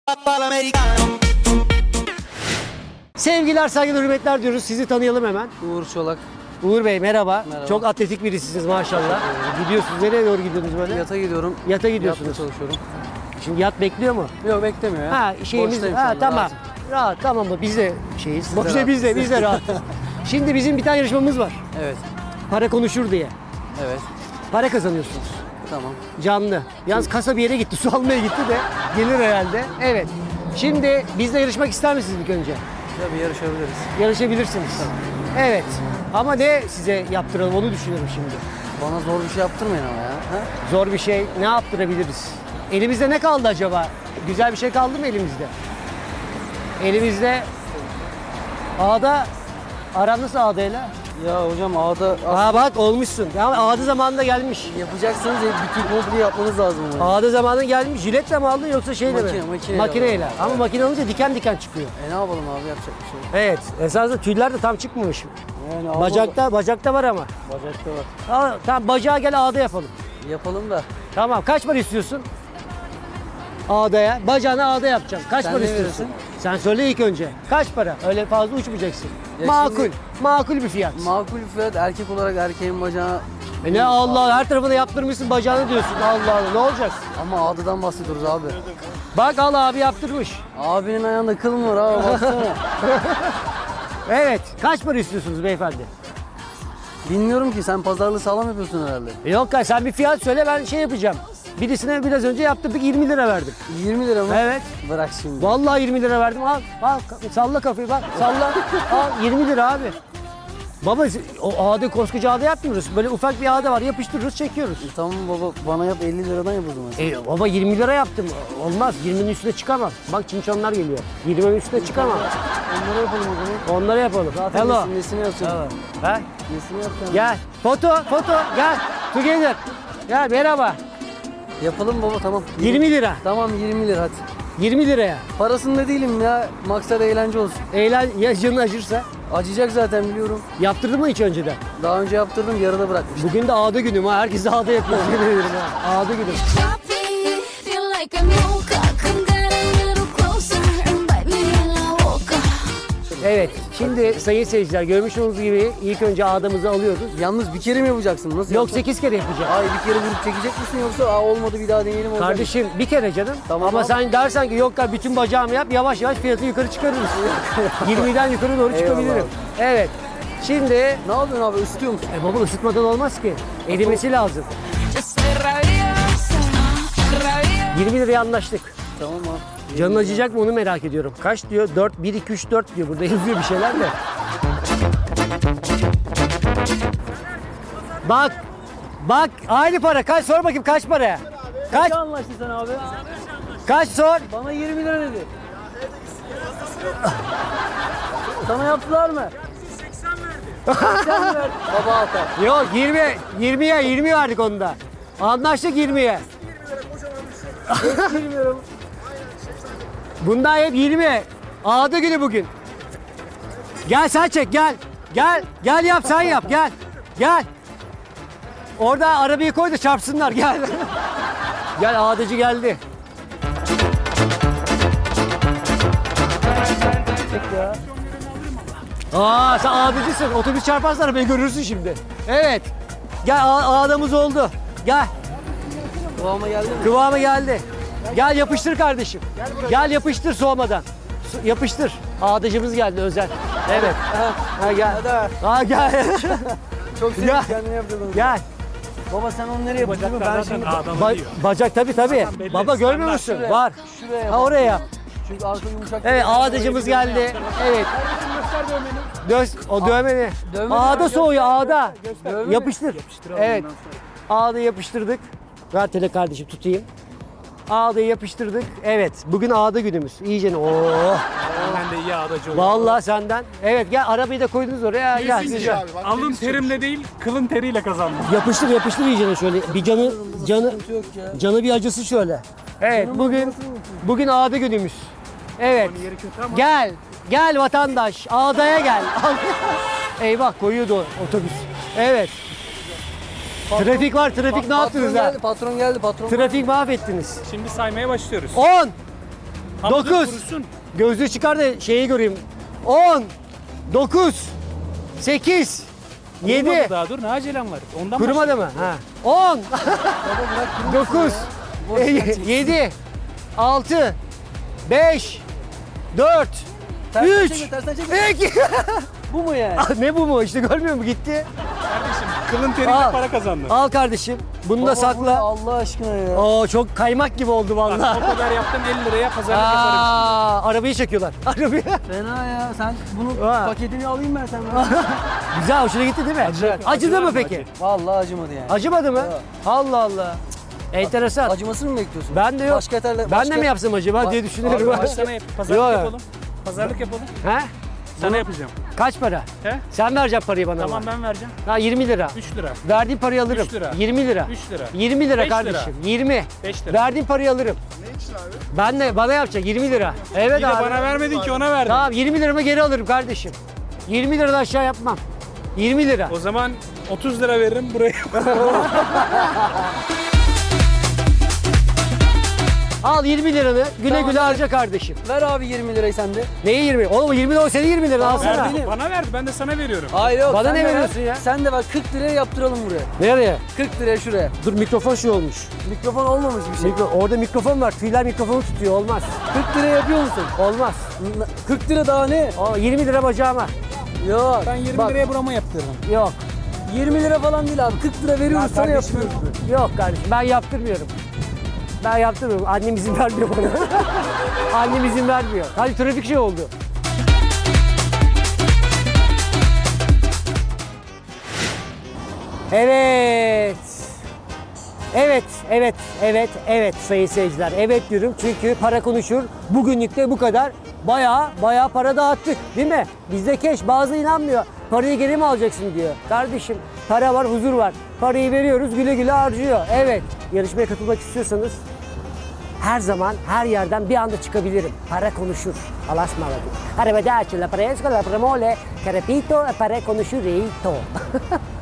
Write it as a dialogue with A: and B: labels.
A: Sevgiler, saygılar, hürmetler diyoruz. Sizi tanıyalım hemen.
B: Uğur Çolak.
A: Uğur Bey merhaba.
B: Merhaba.
A: Çok atletik birisiniz maşallah. Gidiyorsunuz. Nereye doğru gidiyorsunuz böyle?
B: Yata gidiyorum.
A: Yata gidiyorsunuz.
B: Yatta çalışıyorum.
A: Şimdi yat bekliyor mu?
B: Yok beklemiyor ya.
A: Ha şeyimiz.
B: Boştayım
A: Ha
B: şu anda,
A: tamam.
B: rahatım.
A: Rahat tamam mı? Biz de şeyiz. Boşta
B: rahat.
A: biz de rahat. Şimdi bizim bir tane yarışmamız var.
B: Evet.
A: Para konuşur diye.
B: Evet.
A: Para kazanıyorsunuz.
B: Tamam.
A: Canlı. Yalnız kasa bir yere gitti. Su almaya gitti de gelir herhalde. Evet. Şimdi bizle yarışmak ister misiniz ilk önce?
B: Tabii yarışabiliriz.
A: Yarışabilirsiniz. Evet. Ama ne size yaptıralım onu düşünüyorum şimdi.
B: Bana zor bir şey yaptırmayın ama ya. Ha?
A: Zor bir şey ne yaptırabiliriz? Elimizde ne kaldı acaba? Güzel bir şey kaldı mı elimizde? Elimizde Ağda, aran nasıl Ağda'yla?
B: Ya hocam ağda
A: Aa bak olmuşsun. Ya Ağda zamanında gelmiş.
B: yapacaksanız bütün komple yapmanız lazım. Onu.
A: Ağda zamanında gelmiş. Jiletle mi aldın yoksa şeyle mi?
B: Makineyle
A: Makineyle.
B: aldım.
A: Ama makine olunca diken diken çıkıyor.
B: Ne yapalım abi yapacak bir şey yok.
A: Evet. Esasında tüyler de tam çıkmamış.
B: Yani
A: Bacakta var ama.
B: Bacakta var.
A: Tamam bacağa gel Ağda yapalım.
B: Yapalım da.
A: Tamam kaç para istiyorsun? Ağdaya. Bacağına ağda yapacağım. Kaç
B: Sen
A: para
B: ne
A: istiyorsun?
B: verirsin?
A: Sen söyle ilk önce. Kaç para? Öyle fazla uçmayacaksın.
B: Ya
A: Makul.
B: şimdi-
A: Makul bir fiyat.
B: Makul fiyat erkek olarak erkeğin bacağına
A: Ne Allah her tarafına yaptırmışsın bacağını diyorsun. Allah Allah ne olacak?
B: ama ağdadan bahsediyoruz abi.
A: Bak al abi yaptırmış.
B: Abinin ayağında kıl mı var abi baksana.
A: Evet. Kaç para istiyorsunuz beyefendi?
B: Bilmiyorum ki sen pazarlığı sağlam yapıyorsun herhalde.
A: Yok ya sen bir fiyat söyle ben şey yapacağım. Birisine biraz önce yaptırdık 20 lira verdim.
B: 20 lira mı?
A: Evet.
B: Bırak şimdi.
A: Vallahi 20 lira verdim. Al salla kafayı bak salla. Al 20 lira abi. Baba o ağda koskoca ağda yapmıyoruz. Böyle ufak bir ağda var yapıştırırız çekiyoruz.
B: Tamam baba bana yap 50 liradan yap o zaman.
A: Baba 20 lira yaptım. Olmaz 20'nin üstüne çıkamam. Bak çinçonlar geliyor. 20'nin üstüne çıkamam.
B: Onları yapalım o zaman.
A: Onları yapalım.
B: Zaten
A: Hello.
B: nesini yapacağım.
A: Ha?
B: Nesini yapacağım.
A: Gel. Foto gel. Together. Gel merhaba.
B: Yapalım baba tamam.
A: 20 lira.
B: Tamam 20 lira hadi.
A: 20 liraya.
B: Parasında değilim ya. Maksat eğlence olsun.
A: Ya canın acırsa.
B: Acıyacak zaten biliyorum.
A: Yaptırdın mı hiç önceden?
B: Daha önce yaptırdım yarıda bırakmıştım.
A: Bugün de ağda günüm ha. Herkes de ağda yapıyor. Yemin ederim ha. Ağda günüm.
C: Feel like I'm woke up. Come down a little closer and bite me till I woke up.
A: Evet. Şimdi sayın seyirciler görmüş olduğunuz gibi ilk önce ağdamızı alıyoruz.
B: Yalnız bir kere mi yapacaksın? Nasıl
A: Yok
B: yapacaksın?
A: 8 kere yapacağım.
B: Ay bir kere vurup çekecek misin yoksa olmadı bir daha deneyelim olacak.
A: Kardeşim bir kere canım.
B: Tamam
A: Ama
B: abi.
A: sen dersen ki yok ya bütün bacağımı yap yavaş yavaş fiyatı yukarı çıkarırız. 20'den yukarı doğru çıkabilirim.
B: Eyvallah.
A: Evet. Şimdi
B: Ne yapıyorsun abi ısıtıyor musun?
A: baba ısıtmadan olmaz ki. Erimesi lazım.
C: Just rabiosa, rabiosa.
A: 20 liraya anlaştık.
B: Tamam abi.
A: Canın acıyacak mı onu merak ediyorum. Kaç diyor? 4, 1, 2, 3, 4 diyor. Burada yazıyor bir şeyler de. Bak aynı para. Kaç sor bakayım kaç para? Kaç?
B: Ne anlaştın sen abi?
A: Kaç sor?
B: Bana 20 lira dedi. Sana yaptılar mı? 80 verdi. Baba altar.
A: Yok 20 verdik onda. Anlaştık 20'ye.
B: Bilmiyorum.
A: Bundan hep 20. Ağda günü bugün. Gel sen çek gel. Gel yap sen yap gel. Orada arabayı koy da çarpsınlar gel. Gel ağdacı geldi. Sen ağdacısın. Otobüs çarparsa arabayı görürsün şimdi. Evet. Gel ağdamız oldu. Gel.
B: Kıvama geldi mi?
A: Kıvamı geldi. Gel yapıştır kardeşim. Gel yapıştır soğumadan. Yapıştır. Ağdacımız geldi özel. Evet. Ha gel. Ha gel.
B: Çok sevdim
A: Gel.
B: kendini yaptırdın.
A: Gel.
B: Baba sen onu nereye yapıyorsun? Ben şimdi
A: Bacak tabii. Baba görmüyor musun?
B: şuraya.
A: Var.
B: Şuraya
A: Ha oraya yap.
B: Çünkü arka yumuşak.
A: Evet ağdacımız geldi. Evet. O dövmeni.
B: Dövmeni
A: Ağda
B: göster.
A: soğuyor ağda.
B: Dövmeni.
A: Yapıştır. Evet. Ağda yapıştırdık. Ver tele kardeşim tutayım. Ağdayı yapıştırdık. Evet. Bugün ağda günümüz. İyice. Oo.
D: Ben de iyi ağdacı oldum.
A: Vallahi senden. Evet gel arabayı da koydunuz oraya. Gel
D: Kesinlikle.
A: güzel.
D: Alın terimle değil, kılın teriyle kazandım.
A: Yapıştır iyicene şöyle. Bir canı
B: Yok ya.
A: canı bir acısı şöyle. Evet bugün ağda günümüz. Evet.
D: Yeri kötü ama
A: Gel vatandaş. Ağdaya gel. Eyvah koyuyordu otobüs. Evet. Trafik var. Trafik ne yaptınız ha?
B: Patron geldi.
A: Trafik mahvettiniz.
D: şimdi saymaya başlıyoruz.
A: 10
D: Ama dur,
A: 9.
D: kurusun.
A: Gözlüğü çıkar da şeyi göreyim. 10. 9. 8. 7.
D: Kurumadı daha dur ne acelem var. Ondan
A: Kurumadı mı? Ha. 10. 9. 7. 6. 5. 4.
B: Tersten
A: 3.
B: çekme, tersten çekme.
A: 2.
B: Bu mu yani?
A: Ne bu mu? İşte görmüyor musun? Gitti.
D: Kardeşim kılın teriyle
A: Al.
D: para kazandın.
A: Al kardeşim. Bunu da
B: Baba, bu ne
A: sakla.
B: Allah aşkına ya.
A: Oo çok kaymak gibi oldu
D: Bak,
A: vallahi.
D: o kadar yaptım 50 liraya pazarlık yaparım.
A: Arabayı çekiyorlar. Arabayı.
B: Fena ya. Sen bunu
A: Ha.
B: paketini alayım ben senden.
A: Güzel hoşuna gitti değil mi? Acıdı mı peki?
B: Vallahi acımadı yani.
A: Acımadı mı?
B: Yok.
A: Allah Allah. Enteresan.
B: Acımasını mı bekliyorsun?
A: Ben de yok.
B: Başka yeterli.
A: Ben de mi yapsam acaba diye düşünüyorum.
B: Abi,
D: Hadi sana pazarlık
A: Yok.
D: yapalım. Pazarlık yapalım.
A: He?
D: Sana yapacağım.
A: Kaç para?
D: He?
A: Sen vereceksin parayı bana.
D: Tamam
A: ama.
D: ben vereceğim.
A: Ha 20 lira.
D: 3 lira.
A: Verdiğin parayı alırım.
D: 3 lira.
A: 20 lira.
D: 3 lira.
A: 20 lira
D: 5 lira.
A: kardeşim. 20.
D: 5 lira.
A: Verdiğin parayı alırım. Ne için abi? Ben de bana yapacak 20 lira. Evet
D: Bir de
A: abi.
D: bana vermedin ki ona verdin.
A: Tamam 20 liramı geri alırım kardeşim. 20 liradan aşağı yapmam. 20 lira.
D: O zaman 30 lira veririm buraya.
A: Al 20 liranı güle
B: Tamam,
A: güle
B: ver.
A: harca kardeşim.
B: Ver abi 20 lirayı sen de.
A: Neyi 20? Oğlum 20 lira o senin 20 lira alsana.
B: Ver.
D: Verdi, bana verdi ben de sana veriyorum.
B: Hayır yok.
A: Bana
B: sen
A: ne
B: de ver.
A: veriyorsun ya?
B: Sen de bak 40 liraya yaptıralım buraya.
A: Nereye?
B: 40 liraya şuraya.
A: Dur mikrofon şey olmuş.
B: Mikrofon olmamış bir şey.
A: Orada mikrofon var. Tüyler mikrofonu tutuyor. Olmaz.
B: 40 liraya yapıyor musun?
A: Olmaz.
B: 40 lira daha ne?
A: O 20 lira bacağıma.
B: Yok.
D: Ben 20
A: Bak.
D: liraya burama yaptırdım.
A: Yok.
B: 20 lira falan değil abi. 40 lira veriyoruz sana
D: kardeşim,
B: yapıyoruz.
A: Yok kardeşim ben yaptırmıyorum. Ben yaptırmıyorum. Annem izin vermiyor bana. Annem izin vermiyor. Hadi trafik şey oldu. Evet. Evet sayın seyirciler. Evet diyorum çünkü para konuşur. Bugünlük de bu kadar. Bayağı para dağıttık değil mi? Bizde keş bazı inanmıyor. Parayı geri mi alacaksın diyor. Kardeşim para var huzur var. Parayı veriyoruz güle güle harcıyor. Evet yarışmaya katılmak istiyorsanız her zaman her yerden bir anda çıkabilirim. Para konuşur. Allah'a ısmarladık. Arrivederci la fresca la premole. Carapito para konuşur.